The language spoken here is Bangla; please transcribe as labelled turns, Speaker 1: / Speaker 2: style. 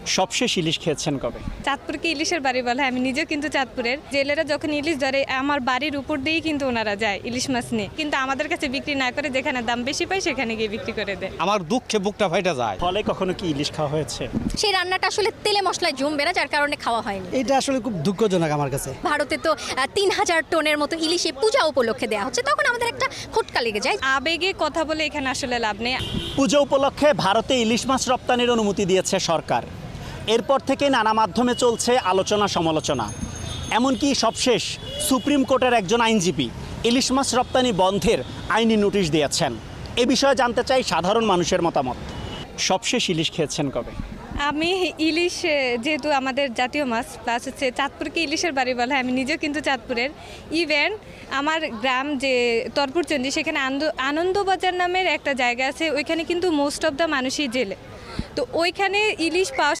Speaker 1: সবশেষ ইলিশ খেয়েছেন কবে?
Speaker 2: চাঁদপুরকে ইলিশের বাড়ি বলা হয়। আমি নিজেও কিন্তু চাঁদপুরের। জেলেরা যখন ইলিশ ধরে আমার বাড়ির উপর দিয়েই কিন্তু ওনারা যায় ইলিশ মাছ নিয়ে, কিন্তু আমাদের কাছে বিক্রি না করে যেখানে দাম বেশি পায় সেখানে গিয়ে বিক্রি করে দেয়।
Speaker 3: আমার দুঃখে বুকটা ফাইটা যায়।
Speaker 1: ফলে কখনো কি ইলিশ খাওয়া হয়েছে?
Speaker 4: সেই রান্নাটা আসলে তেলে মশলায় জমবে না, যার কারণে খাওয়া হয়নি।
Speaker 5: এটা আসলে খুব দুঃখজনক আমার কাছে।
Speaker 4: ভারতে তো 3000 টনের মতো ইলিশে পূজা উপলক্ষে দেওয়া হচ্ছে, তখন আমাদের একটা খটকা লেগে যায়।
Speaker 2: আবেগে কথা বলে এখানে আসলে লাভ নেই।
Speaker 1: পুজো উপলক্ষে ভারতে ইলিশ মাছ রপ্তানির অনুমতি দিয়েছে সরকার। এরপর থেকে নানা মাধ্যমে চলছে আলোচনা সমালোচনা, এমনকি সবশেষ সুপ্রিম কোর্টের একজন আইনজীবী ইলিশ মাছ রপ্তানি বন্ধের আইনি নোটিশ দিয়েছেন। এ বিষয়ে জানতে চাই সাধারণ মানুষের মতামত। সবশেষ ইলিশ খেয়েছেন কবে?
Speaker 2: আমি ইলিশ যেহেতু আমাদের জাতীয় মাছ, প্লাস হচ্ছে চাঁদপুরকে ইলিশের বাড়ি বলা হয়। আমি নিজেও কিন্তু চাঁদপুরের। ইভেন আমার গ্রাম যে তরপুরচন্ডী, সেখানে আনন্দবাজার নামের একটা জায়গা আছে, ওইখানে কিন্তু মোস্ট অফ দ্য মানুষই জেলে। তো ওইখানে ইলিশ পাওয়া